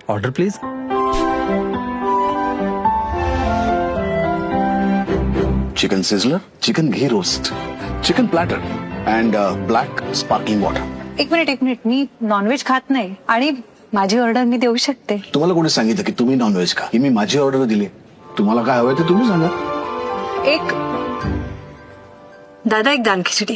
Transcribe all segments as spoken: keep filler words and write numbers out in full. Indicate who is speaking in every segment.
Speaker 1: Order please.
Speaker 2: Chicken sizzler, chicken ghee roast, chicken platter and black sparkling water.
Speaker 3: एक minute एक minute मी non veg खात नाही आणि माझी ऑर्डर मी देऊ शकते.
Speaker 2: तुम्हाला कोणी सांगितलं की तुम्ही नॉनव्हेज खा? ही मी माझी ऑर्डर दिली. तुम्हाला काय हवंय ते तुम्ही सांगा.
Speaker 3: एक दादा एक दाल खिचडी.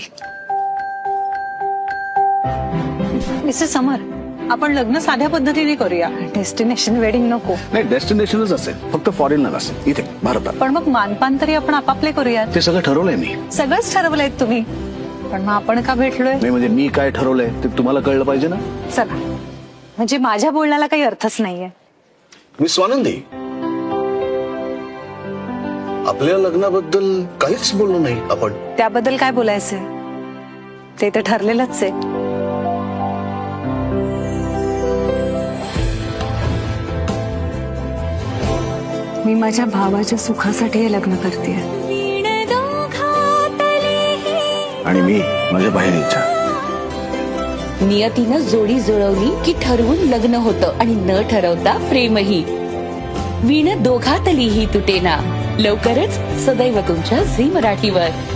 Speaker 3: मिस्टर समर, आपण लग्न साध्या पद्धतीने करूया. डेस्टिनेशन वेडिंग नको.
Speaker 2: नाही, डेस्टिनेशनच असेल, फक्त फॉरेनला नसेल, इथे भारतात.
Speaker 3: पण मग मानपान तरी आपण आपापले करूयात.
Speaker 2: ते सगळं ठरवलंय मी.
Speaker 3: सगळंच ठरवलंय तुम्ही, पण मग आपण का भेटलोय?
Speaker 2: नाही म्हणजे मी काय ठरवलंय ते तुम्हाला कळलं पाहिजे ना.
Speaker 3: चला, म्हणजे माझ्या बोलण्याला काही अर्थच नाहीये.
Speaker 2: मी स्वानंदी, आपल्या लग्नाबद्दल काहीच बोललो नाही आपण.
Speaker 3: त्याबद्दल काय बोलायचंय? ते तर ठरलेलंच आहे. मी माझ्या भावाच्या सुखासाठी हे लग्न करतेय.
Speaker 2: आणि मी माझ्या बाहेर इच्छा.
Speaker 4: नियतीनं जोडी जुळवली की ठरवून लग्न होतं आणि न ठरवता प्रेमही. वीण दोघातलीही तुटेना. लवकरच सदैव तुमच्या झी मराठीवर.